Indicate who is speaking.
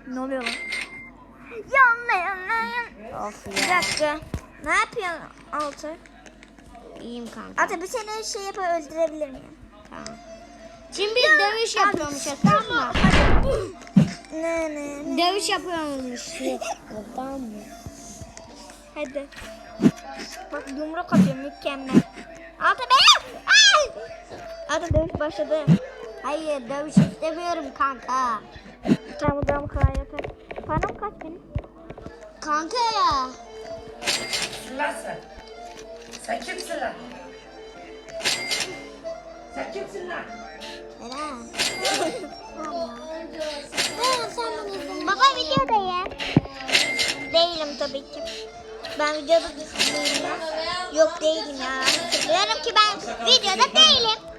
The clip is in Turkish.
Speaker 1: Ne oluyor lan?
Speaker 2: Of
Speaker 1: Bir
Speaker 2: ya.
Speaker 1: dakika. Ne yapıyorsun Altay?
Speaker 2: İyiyim kanka.
Speaker 1: Altay bir seni şey yapıp öldürebilir miyim?
Speaker 2: Tamam. Şimdi bir dövüş yapıyormuşuz, tamam mı?
Speaker 1: Ne.
Speaker 2: Dövüş yapıyormuşuz. Tamam mı?
Speaker 1: Hadi. Bak yumruk atıyor mükemmel. Altay beni! Ay! Altay dövüş başladı.
Speaker 2: Hayır, dövüş istemiyorum kanka.
Speaker 1: Tamam tamam kolay yapar. Param kaç benim?
Speaker 2: Kanka ya.
Speaker 3: Lan sen. Sen kimsin lan? Sen kimsin lan?
Speaker 2: Eren.
Speaker 1: Baba videodayım. Değilim tabii ki. Ben videoda değilim ya. Yok değilim ya. Diyorum ki ben videoda değilim.